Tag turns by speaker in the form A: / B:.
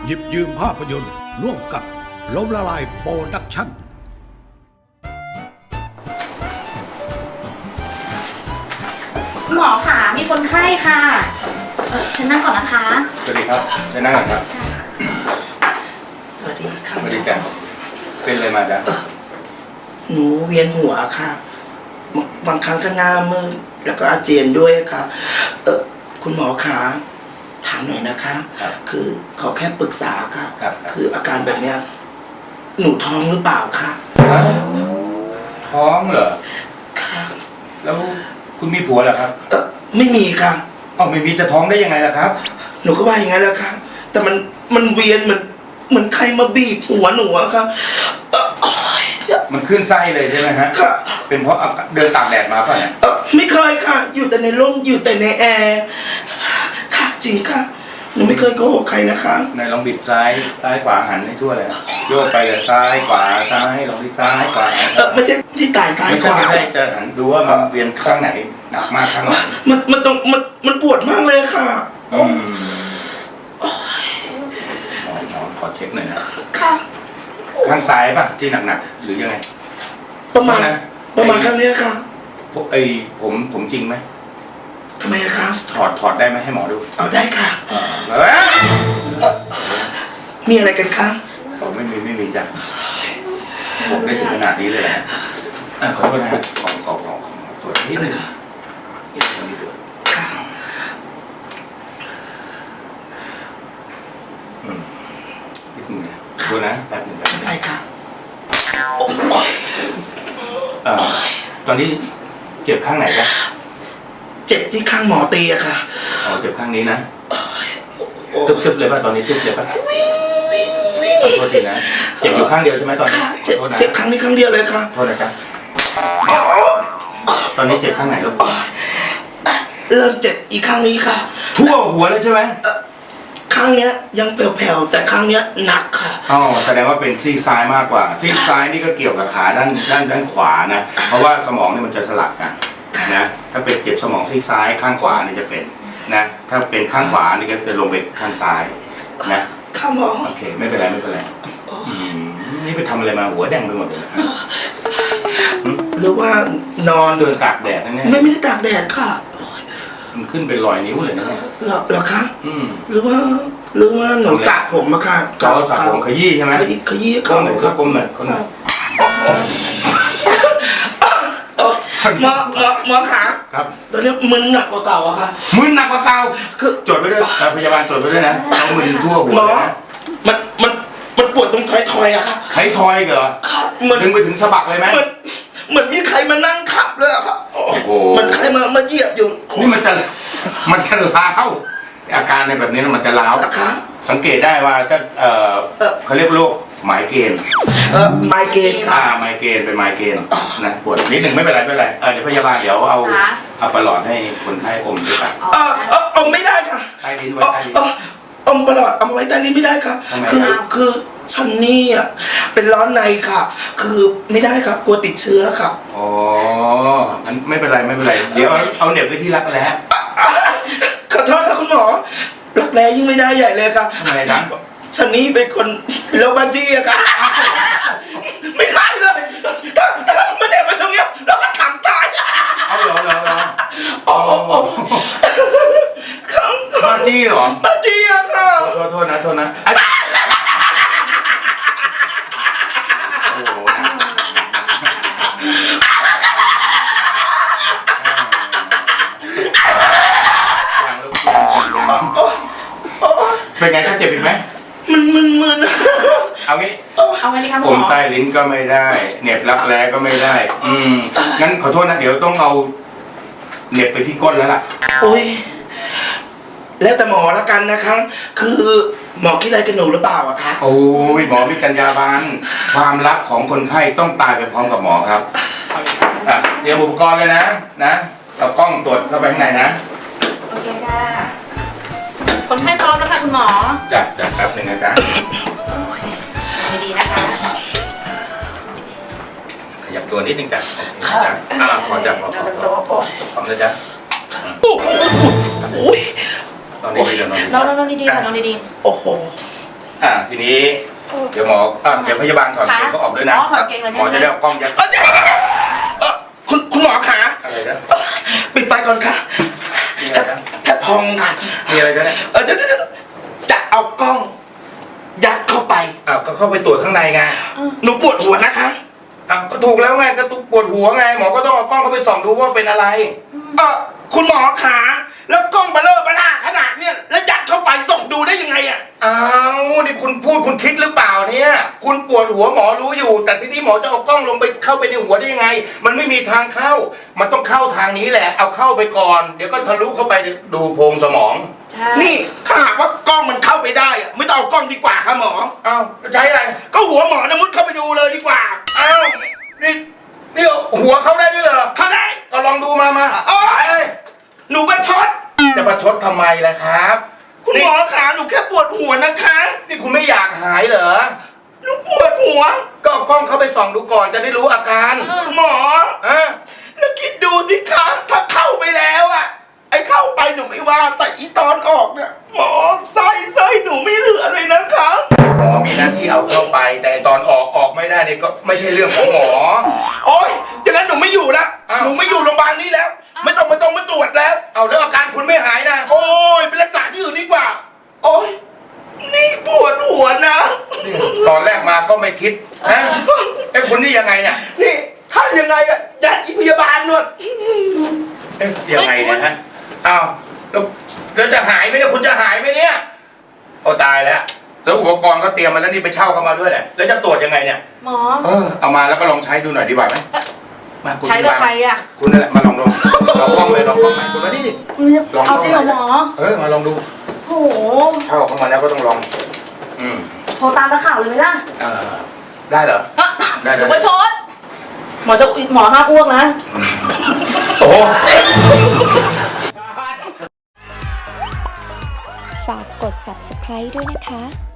A: หยิบยืมภาพยนตร์ร่วมกับล้มละลายโปรดักชั่น
B: คุณหมอค่ะมีคนไข้ค่ะฉันนั่งก่อนนะคะ
C: สวัสดีครับเชิญนั่งก่อนครับ
D: สวัสดีค่ะ
C: สวัสดีจ้ะเป็นอะไรมาจ๊ะ
D: หนูเวียนหัวค่ะบางครั้งก็หน้ามืดแล้วก็อาเจียนด้วยค่ะคุณหมอคะถามหน่อยนะคะคือขอแค่ปรึกษาค่ะคืออาการแบบเนี้ยหนูท้องหรือเปล่าคะ
C: ท้องเหรอ
D: ค่ะ
C: แล้วคุณมีผัวเหรอครับ
D: ไม่มีค่ะ
C: ไม่มีจะท้องได้ยังไงล่ะครับ
D: หนูก็ว่าอย่างไงแล้วค่ะแต่มันเวียนเหมือนใครมาบีบหัวหนูอะค่ะ
C: มันขึ้นไส้เลยใช่ไหมฮะ
D: ค่ะ
C: เป็นเพราะเดินตากแดดมาป่ะเนี่ย
D: ไม่เคยค่ะอยู่แต่ในร่มอยู่แต่ในแอร์ค่ะจริงค่ะหนูไม่เคยโกหกใครนะคะ
C: ไหนลองบิดซ้ายขวาหันให้ทั่วเลยโยกไปเลยซ้ายขวาซ้ายลองบิดซ้ายขวา
D: ไม่ใช่ที่ตายซ้ายขวา
C: ไม่ใช่จะหันดูว่ามันเวียนข้างไหนหนักมากข้างไหน
D: มันปวดมากเลยค่ะ
C: ขอเช็คหน่อยนะค่ะข้างซ้ายป่ะที่หนักๆหรือยังไง
D: ประมาณข้างนี้ค่ะ
C: ผมจริงไหม
D: ทำไมคะ
C: ถอดได้ไหมให้หมอดู
D: เอาได้ค่ะมีอะไรกันคะ
C: ไม่มีจ้ะผมได้ถึงขนาดนี้เลยนะขอโทษนะของตรวจนิดนึงนิดนึงนะดูนะแป๊บนึง
D: ได้ค่ะ
C: ตอนนี้เจ็บข้างไหนจ๊ะ
D: เจ็บที่ข้างหมอตีอะค่ะ
C: เจ็บข้างนี้นะตึ๊บเลยป่ะตอนนี้ตึ๊บเลยป่ะขอโทษทีนะเจ็บอยู่ข้างเดียวใช่ไหมตอนนี้
D: เจ็บข้างนี้ข้างเดียวเลยค่ะ
C: โทษนะจ๊ะตอนนี้เจ็บข้างไหนลูก
D: เริ่มเจ็บอีกข้างนี้ค่ะ
C: ทั่วหัวเลยใช่ไหม
D: ข้างเนี้ยยังแผ่วๆแต่ข้างเนี้ยหนักค่ะ
C: แสดงว่าเป็นซีกซ้ายมากกว่าซีกซ้ายนี่ก็เกี่ยวกับขาด้านขวานะเพราะว่าสมองนี่มันจะสลับกันนะถ้าเป็นเจ็บสมองซีกซ้ายข้างขวานี่จะเป็นนะถ้าเป็นข้างขวานี่ก็จะลงไปข้างซ้ายนะ
D: ข้างหมอ
C: โอเคไม่เป็นไรนี่ไปทำอะไรมาหัวแดงไปหมดเลย
D: หรือว่านอน
C: เดินตากแดดนั่นเนี่ย
D: ไม่ได้ตากแดดค่ะ
C: มันขึ้นเป็นรอยนิ้วเลยนะเนี่ย
D: เหรอคะหรือว่าหนูสระผมมาค่ะ
C: สระผมขยี้ใช่ไหม
D: ขยี้
C: ก้มหน่อยก้มหน่อย
D: หมอขา
C: ครับ
D: ตอนนี้มึนหนักกว่าเก่าอะค่ะ
C: มึนหนักกว่าเก่าคือจดไปด้วยพยาบาลจดไปด้วยนะเอามึนทั่วหัวเลยนะ
D: มันปวดตรงท้ายอะค่ะ
C: ท้ายทอยเหรอดึงไปถึงสะบักเลยไหม
D: เหมือนมีใครมานั่งขับเลยอะค่ะมันใครมาเหยียบอยู่
C: นี่มันจะล้าวอาการในแบบนี้มันจะล้าวสังเกตได้ว่าถ้าเขาเรียกโรคไมเกรน
D: ไมเกรนค่ะ
C: ไมเกรนเป็นไมเกรนนะปวดนิดหนึ่งไม่เป็นไรเดี๋ยวพยาบาลเดี๋ยวเอาประหลอดให้คนไข้อมด้วยกัน
D: อมไม่ได้ค่ะ
C: ใต้ลิ้นไว้ใต้ลิ้น
D: อมประหลอดเอาไว้ใต้ลิ้นไม่ได้ค่ะคือฉันนี่อ่ะเป็นร้อนในค่ะคือไม่ได้ค่ะกลัวติดเชื้อค่ะ
C: งั้นไม่เป็นไรเดี๋ยวเอาเหน็บไว้ที่รักแร้
D: ขอโทษค่ะคุณหมอรักแร้ยิ่งไม่ได้ใหญ่เลยค่ะ
C: ทำไมนะ
D: ฉันนี่เป็นคนเป็นโรคบ้าจี้อะค่ะไม่ได้เลยถ้ามาเด็กมาตรงนี้เราก็ขำตาย
C: เอาเหรอบ้าจี้เหรอ
D: บ้าจี้อะค่ะ
C: โทษนะเป็นไงถ้าเจ็บอีกไหม
D: มึน
C: เอางี้
B: ดีครับ
C: ผมใต้ลิ้นก็ไม่ได้เหน็บรักแร้ก็ไม่ได้งั้นขอโทษนะเดี๋ยวต้องเอาเหน็บไปที่ก้นแล้วล่ะ
D: โอ้ยแล้วแต่หมอแล้วกันนะคะคือหมอคิดอะไรกันหนูหรือเปล่าอะคะ
C: โอ้ยหมอมีจรรยาบรรณความลับของคนไข้ต้องตายไปพร้อมกับหมอครับเดี๋ยวอุปกรณ์เลยนะเอากล้องตรวจเข้าไปข้างในนะ
B: โอเคค่ะคนไข้พร้อมแล้วค่ะคุณหมอ
C: จัดแป๊บนึงนะจ๊ะ
B: ดีนะคะ
C: ขยับตัวนิดนึงจ้ะพอจับพร้อมนะจ๊ะ
D: โอ้ย
C: นอนดีๆ
B: นอนดีๆค่ะนอนดี
D: ๆโอ้โห
C: ทีนี้เดี๋ยวหมอเดี๋ยวพยาบาลถอดเกงเขาออกด้วยนะ
B: ถอดเกงเลย
C: หมอจะได้เอากล้องยัด
D: คุณหมอขา
C: อะไรนะ
D: ปิดไฟก่อนค่ะ
C: มีอะไรนะ
D: จะพองค่ะ
C: มีอะไรกันเนี่ย
D: เดี๋ยวจะเอากล้อง ยัดเข้าไป
C: ก็เข้าไปตรวจข้างในไง
D: หนูปวดหัวนะคะ
C: ก็ถูกแล้วไงก็ปวดหัวไงหมอก็ต้องเอากล้องเข้าไปส่องดูว่าเป็นอะไร
D: คุณหมอขาแล้วกล้องเบลอเบล่าขนาดเนี้ยแล้วยัดเข้าไปส่องดูได้ยังไงอ่ะ
C: นี่คุณพูดคุณคิดหรือเปล่าเนี่ยคุณปวดหัวหมอรู้อยู่ แต่ที่นี่หมอจะเอากล้องลงไปเข้าไปในหัวได้ยังไง มันไม่มีทางเข้า มันต้องเข้าทางนี้แหละเอาเข้าไปก่อน เดี๋ยวก็ทะลุเข้าไปดูโพรงสมอง
D: นี่ถ้าหากว่ากล้องมันเข้าไปได้อะไม่ต้องเอากล้องดีกว่าค่ะหมอ
C: ใช้อะไร
D: ก็หัวหมอนะมุดเข้าไปดูเลยดีกว่า
C: นี่หัวเข้าได้ด้วยเหรอ
D: เข้าได้
C: ก็ลองดูมา
D: โอ๊ยหนูประชด
C: จะประชดทำไมล่ะครับ
D: คุณหมอขาหนูแค่ปวดหัวนะคะ
C: นี่คุณไม่อยากหายเหรอ
D: หนูปวดหัว
C: ก็เอากล้องเข้าไปส่องดูก่อนจะได้รู้อาการ
D: หมอแล้วคิดดูสิคะถ้าเข้าไปแล้วอะไอ้เข้าไปหนูไม่ว่าแต่อีตอนออกเนี่ยหมอไส้หนูไม่เหลือเลยนะคะ
C: หมอมีหน้าที่เอาเข้าไป แต่ตอนออกไม่ได้เนี่ยก็ไม่ใช่เรื่องของหมอ
D: โอ๊ยอย่างนั้นหนูไม่อยู่แล้ว หนูไม่อยู่โรงพยาบาลนี้แล้ว ไม่ต้องมาตรวจแล้ว
C: เอาแล้วอาการคุณไม่หายนะ
D: โอ้ยไปรักษาที่อื่นดีกว่า โอ๊ยนี่ปวดหัวนะ
C: ตอนแรกมาก็ไม่คิดนะไอ้คุณนี่ยังไงเนี่ย
D: นี่ถ้ายังไงอะยัดอีพยาบาลนวด
C: ยังไงเนี่ยฮะอ้าวแล้วจะหายไหมเนี่ยคุณจะหายไหมเนี่ยโอ้ตายแล้วแล้วอุปกรณ์ก็เตรียมมาแล้วนี่ไปเช่าเข้ามาด้วยแหละแล้วจะตรวจยังไงเนี่ย
B: หมอ
C: เอามาแล้วก็ลองใช้ดูหน่อยดีกว่าไหมมาคุณ
B: ใช้กับใครอ่ะ
C: คุณนั่นแหละมาลองดูลองกล้องเลยลองกล้องใหม่คุณมาดิลอง
B: เอาจริงเหรอหมอ
C: มาลองดู
B: โถ
C: เช่าเข้ามาแล้วก็ต้องลอง
B: โทรตามนักข่าวเลยไหมล่ะ
C: ได้เหรอได้
B: หนูประชดหมอห้ามอ้วกนะ
C: โอ้
E: ฝากกด subscribe ด้วยนะคะ